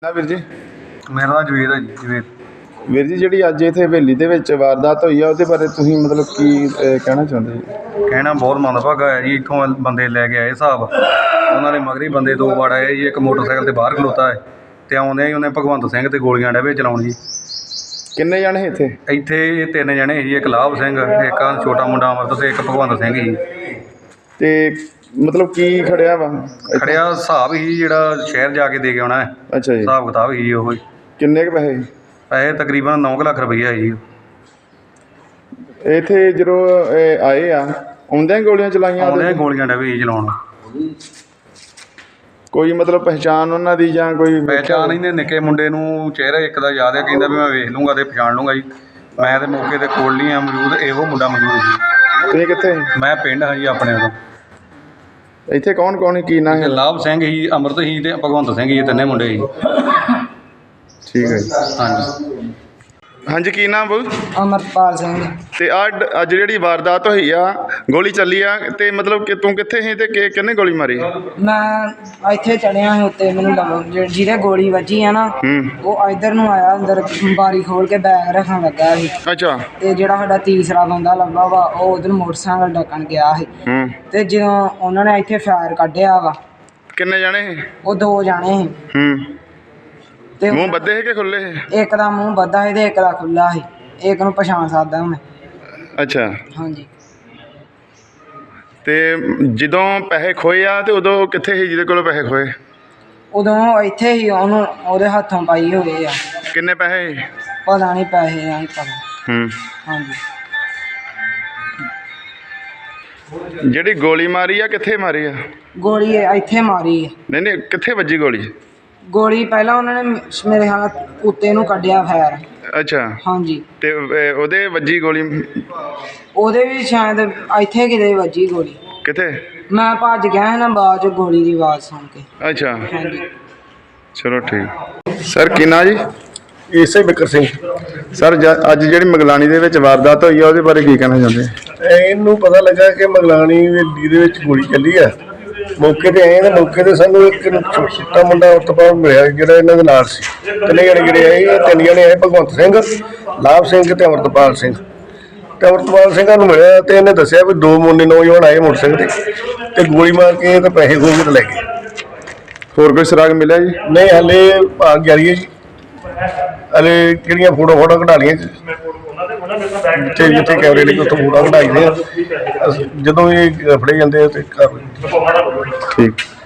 ਵੀਰ ਜੀ ਮੇਰਾ ਨਾਮ ਜਵੇਦ ਹੈ ਜੀ। ਜਵੇਦ ਵੀਰ ਜੀ, ਜਿਹੜੀ ਅੱਜ ਇੱਥੇ ਹਵੇਲੀ ਦੇ ਵਿੱਚ ਵਾਰਦਾਤ ਹੋਈ ਆ ਉਹਦੇ ਬਾਰੇ ਤੁਸੀਂ ਮਤਲਬ ਕੀ ਕਹਿਣਾ ਚਾਹੁੰਦੇ ਜੀ? ਕਹਿਣਾ ਬਹੁਤ ਮੰਦਭਾਗਾ ਹੈ ਜੀ। ਇੱਥੋਂ ਬੰਦੇ ਲੈ ਕੇ ਆਏ ਹਿਸਾਬ, ਉਹਨਾਂ ਦੇ ਮਗਰ ਹੀ ਬੰਦੇ ਦੋ ਵਾਰ ਆਏ ਜੀ। ਇੱਕ ਮੋਟਰਸਾਈਕਲ 'ਤੇ ਬਾਹਰ ਖਲੋਤਾ ਹੈ ਅਤੇ ਆਉਂਦੇ ਹੀ ਉਹਨੇ ਭਗਵੰਤ ਸਿੰਘ 'ਤੇ ਗੋਲੀਆਂ ਡੇਵੇ ਚਲਾਉਣ ਜੀ। ਕਿੰਨੇ ਜਾਣੇ ਇੱਥੇ? ਇੱਥੇ 3 ਜਣੇ ਜੀ। ਇੱਕ ਲਾਭ ਸਿੰਘ, ਇੱਕ ਆਹ ਛੋਟਾ ਮੁੰਡਾ ਅਮਰਤ ਅਤੇ ਇੱਕ ਭਗਵੰਤ ਸਿੰਘ ਜੀ। ਤੇ ਮਤਲਬ ਕੀ ਖੜਿਆ ਵਾ? ਖੜਿਆ ਹਿਸਾਬ ਹੀ ਜਿਹੜਾ ਸ਼ਹਿਰ ਜਾ ਕੇ ਦੇ ਕੇ ਆਉਣਾ ਹੈ। ਅੱਛਾ ਜੀ। ਹਿਸਾਬ ਕਿਤਾਬ ਹੀ ਉਹ ਹੀ। ਕਿੰਨੇ ਕੁ ਪੈਸੇ? ਪੈਸੇ ਤਕਰੀਬਨ 9 ਲੱਖ ਰੁਪਈਆ ਜੀ। ਇੱਥੇ ਜਦੋਂ ਆਏ ਆ ਆਉਂਦਿਆਂ ਗੋਲੀਆਂ ਚਲਾਈਆਂ? ਆਉਂਦੇ ਗੋਲੀਆਂ ਡੇਵੇ ਜੀ ਚਲਾਉਣ। ਕੋਈ ਮਤਲਬ ਪਹਿਚਾਣ ਉਹਨਾਂ ਦੀ ਜਾਂ ਕੋਈ? ਪਹਿਚਾਣ ਇਹਨੇ ਨਿੱਕੇ ਮੁੰਡੇ ਨੂੰ ਚਿਹਰਾ ਇੱਕ ਦਾ ਯਾਦ ਹੈ, ਕਹਿੰਦਾ ਵੀ ਮੈਂ ਵੇਖ ਲੂੰਗਾ ਅਤੇ ਪਛਾਣ ਲੂੰਗਾ ਜੀ। ਮੈਂ ਤਾਂ ਮੌਕੇ 'ਤੇ ਕੋਲ ਨਹੀਂ ਆ ਮੌਜੂਦ, ਇਹੋ ਮੁੰਡਾ ਮੌਜੂਦ ਜੀ। ਤੁਸੀਂ ਕਿੱਥੇ? ਮੈਂ ਪਿੰਡ ਹਾਂ ਜੀ ਆਪਣੇ ਉਦੋਂ। ਇੱਥੇ ਕੌਣ ਕੌਣ ਕੀ ਨਾਂ ਹੈ? ਲਾਭ ਸਿੰਘ ਸੀ, ਅਮਰਤ ਸੀ ਅਤੇ ਭਗਵੰਤ ਸਿੰਘ ਜੀ, ਤਿੰਨੇ ਮੁੰਡੇ ਸੀ। ਠੀਕ ਹੈ ਜੀ। ਹਾਂਜੀ ਹਾਂਜੀ, ਕੀ ਨਾਮ ਬੋਲ? ਅਮਰਪਾਲ ਸਿੰਘ। ਤੇ ਅੱਜ ਜਿਹੜੀ ਵਾਰਦਾਤ ਹੋਈ ਆ, ਗੋਲੀ ਚੱਲੀ ਆ, ਤੇ ਮਤਲਬ ਕਿ ਤੂੰ ਕਿੱਥੇ ਸੀ ਤੇ ਕਿਹਨੇ ਗੋਲੀ ਮਾਰੀ? ਮੈਂ ਇੱਥੇ ਚੜਿਆ ਸੀ ਉੱਤੇ, ਮੈਨੂੰ ਜਿਹਦੇ ਗੋਲੀ ਵੱਜੀ ਆ ਨਾ ਉਹ ਇੱਧਰ ਨੂੰ ਆਇਆ, ਅੰਦਰ ਬਾਰੀ ਖੋਲ ਕੇ ਬੈਗ ਰੱਖਣ ਲੱਗਾ ਸੀ। ਅੱਛਾ। ਤੇ ਜਿਹੜਾ ਸਾਡਾ ਤੀਸਰਾ ਬੰਦਾ ਲੱਭਾ ਵਾ ਉਹ ਉਧਰ ਮੋਟਰਸਾਈਕਲ ਡੱਕਣ ਗਿਆ ਸੀ। ਤੇ ਜਦੋਂ ਉਹਨਾਂ ਨੇ ਇੱਥੇ ਫਾਇਰ ਕੱਢਿਆ ਵਾ। ਕਿੰਨੇ ਜਾਣੇ ਸੀ? ਉਹ 2 ਜਾਣੇ ਸੀ। ਤੇ ਮੂੰਹ ਬੱਧੇ ਸੀ ਕਿ ਖੁੱਲੇ ਸੀ? ਇੱਕ ਦਾ ਮੂੰਹ ਬੱਧਾ ਸੀ ਤੇ ਇੱਕ ਦਾ ਖੁੱਲਾ ਸੀ। ਇੱਕ ਨੂੰ ਪਛਾਣ ਸਕਦਾ ਮੈਂ। ਅੱਛਾ। ਹਾਂਜੀ। ਤੇ ਜਦੋਂ ਪੈਸੇ ਖੋਏ ਆ ਤੇ ਉਦੋਂ ਕਿੱਥੇ ਸੀ ਜਿਹਦੇ ਕੋਲੋਂ ਪੈਸੇ ਖੋਏ? ਉਦੋਂ ਇੱਥੇ ਹੀ ਉਹਨੂੰ ਉਹਦੇ ਹੱਥੋਂ ਪਾਈ ਹੋਏ ਆ। ਕਿੰਨੇ ਪੈਸੇ? ਪਤਾ ਨਹੀਂ ਪੈਸੇ ਆ, ਨਹੀਂ ਪਤਾ। ਹਾਂਜੀ। ਜਿਹੜੀ ਗੋਲੀ ਮਾਰੀ ਆ ਕਿੱਥੇ ਮਾਰੀ ਆ? ਗੋਲੀ ਇੱਥੇ ਮਾਰੀ ਆ। ਨਹੀਂ ਕਿੱਥੇ ਵੱਜੀ ਗੋਲੀ? ਗੋਲੀ ਪਹਿਲਾਂ ਉਹਨਾਂ ਨੇ ਮੇਰੇ ਖਿਆਲ ਕੁੱਤੇ ਨੂੰ ਕੱਢਿਆ ਫੈਰ। ਅੱਛਾ। ਹਾਂਜੀ। ਤੇ ਉਹਦੇ ਵੱਜੀ ਗੋਲੀ? ਉਹਦੇ ਵੀ ਸ਼ਾਇਦ ਇੱਥੇ ਕਿਤੇ ਵੱਜੀ ਗੋਲੀ। ਕਿੱਥੇ? ਮੈਂ ਭੱਜ ਗਿਆ ਸੀ ਨਾ ਬਾਅਦ 'ਚ ਗੋਲੀ ਦੀ ਆਵਾਜ਼ ਸੁਣ ਕੇ। ਅੱਛਾ। ਹਾਂਜੀ। ਚਲੋ ਠੀਕ। ਸਰ ਕੀ ਨਾਂ ਜੀ? ਇਸੇ ਬਿਕਰ ਸਿੰਘ। ਸਰ ਅੱਜ ਜਿਹੜੀ ਮਗਲਾਣੀ ਦੇ ਵਿੱਚ ਵਾਰਦਾਤ ਹੋਈ ਆ ਉਹਦੇ ਬਾਰੇ ਕੀ ਕਹਿਣਾ ਚਾਹੁੰਦੇ? ਇਹਨੂੰ ਪਤਾ ਲੱਗਾ ਕਿ ਮਗਲਾਣੀ ਹਵੇਲੀ ਦੇ ਵਿੱਚ ਗੋਲੀ ਚੱਲੀ ਆ। ਮੌਕੇ 'ਤੇ ਆਏ ਤਾਂ ਮੌਕੇ 'ਤੇ ਸਾਨੂੰ ਇੱਕ ਛੋਟਾ ਮੁੰਡਾ ਉਤਪਾਦ ਮਿਲਿਆ ਜਿਹੜਾ ਇਹਨਾਂ ਦੇ ਨਾਲ ਸੀ। 3 ਜਣੇ ਜਿਹੜੇ ਆਏ, 3 ਜਣੇ ਆਏ, ਭਗਵੰਤ ਸਿੰਘ, ਲਾਭ ਸਿੰਘ ਤੇ ਅਮਰਤਪਾਲ ਸਿੰਘ। ਤੇ ਅਮਰਤਪਾਲ ਸਿੰਘਾਂ ਨੂੰ ਮਿਲਿਆ ਤੇ ਇਹਨੇ ਦੱਸਿਆ ਵੀ 2 ਮੁੰਡੇ ਨੌਜਵਾਨ ਆਏ ਮੋਟਰਸਾਈਕਲ ਤੇ ਗੋਲੀ ਮਾਰ ਕੇ ਤੇ ਪੈਸੇ ਖੋਹ ਕੇ ਲੈ ਗਏ। ਹੋਰ ਕੋਈ ਸੁਰਾਗ ਮਿਲਿਆ ਜੀ? ਨਹੀਂ, ਹਾਲੇ ਭਾਗ ਜਾਰੀ ਹੈ ਜੀ। ਹਾਲੇ ਕਿਹੜੀਆਂ ਫੋਟੋ ਕਢਾ ਲਈਆਂ ਜਿੱਥੇ ਜਿੱਥੇ ਕੈਮਰੇ ਲੱਗੇ ਉੱਥੋਂ ਫੋਟੋ ਕਢਾਈ ਦੇ ਆ। ਜਦੋਂ ਇਹ ਫੜੇ ਜਾਂਦੇ ਆ ਤੇ ਕਰ ਠੀਕ।